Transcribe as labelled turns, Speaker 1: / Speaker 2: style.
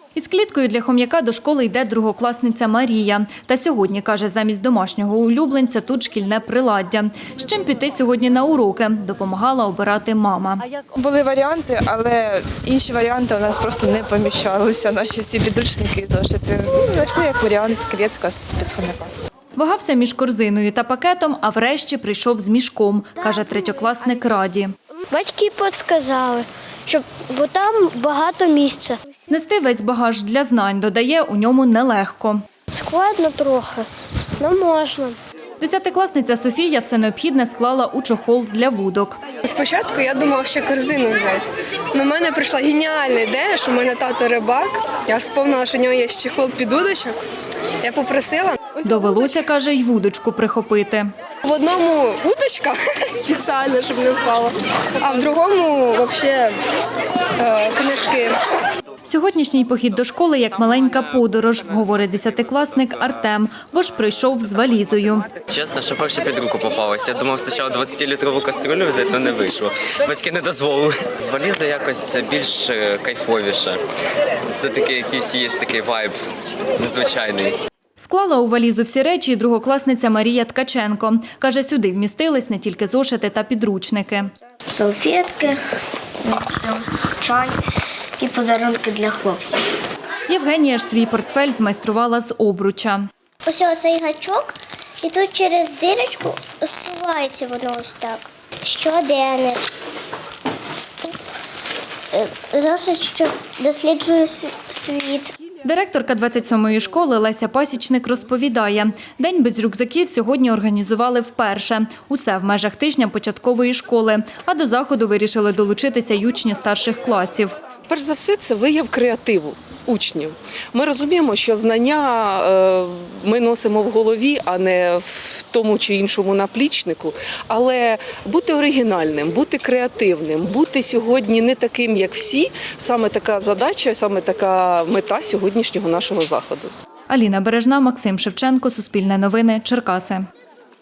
Speaker 1: Із кліткою для хом'яка до школи йде другокласниця Марія. Та сьогодні, каже, замість домашнього улюбленця тут шкільне приладдя. З чим піти сьогодні на уроки, допомагала обирати мама.
Speaker 2: Були варіанти, але інші варіанти у нас просто не поміщалися. Наші всі підручники і зошити. Знайшли як варіант клітка з-під хом'яка.
Speaker 1: Вагався між корзиною та пакетом, а врешті прийшов з мішком, каже третьокласник Раді.
Speaker 3: Батьки підказали, бо там багато місця.
Speaker 1: Нести весь багаж для знань, додає, у ньому нелегко.
Speaker 3: Складно трохи, але можна.
Speaker 1: Десятикласниця Софія все необхідне склала у чохол для вудок.
Speaker 4: Спочатку я думала, що корзину взяти. Но в мене прийшла геніальна ідея, що в мене тато рибак. Я вспомнила, що в нього є чохол під удочок. Я попросила.
Speaker 1: Довелося, каже, й вудочку прихопити.
Speaker 4: В одному удочка спеціально, щоб не впала, а в другому взагалі книжки.
Speaker 1: Сьогоднішній похід до школи як маленька подорож, говорить десятикласник Артем, бо ж прийшов з валізою.
Speaker 5: Чесно, що перше під руку попалося. Я думав спочатку 20-літрову каструлю взяти, але не вийшло. Батьки не дозволили. З валізою якось більш кайфовіше. Це такий якийсь є такий вайб незвичайний.
Speaker 1: Склала у валізу всі речі і другокласниця Марія Ткаченко. Каже, сюди вмістились не тільки зошити та підручники.
Speaker 3: Салфетки, чай і подарунки для хлопців.
Speaker 1: Євгенія ж свій портфель змайструвала з обруча.
Speaker 3: Ось оцей гачок, і тут через дирочку зсувається воно ось так. Щоденник. Завжди, що досліджую світ.
Speaker 1: Директорка 27-ї школи Леся Пасічник розповідає, день без рюкзаків сьогодні організували вперше. Усе в межах тижня початкової школи, а до заходу вирішили долучитися й учні старших класів.
Speaker 6: Перш за все, це вияв креативу учнів. Ми розуміємо, що знання ми носимо в голові, а не в тому чи іншому наплічнику. Але бути оригінальним, бути креативним, бути сьогодні не таким, як всі – саме така задача, саме така мета сьогоднішнього нашого заходу.
Speaker 1: Аліна Бережна, Максим Шевченко, Суспільне новини, Черкаси.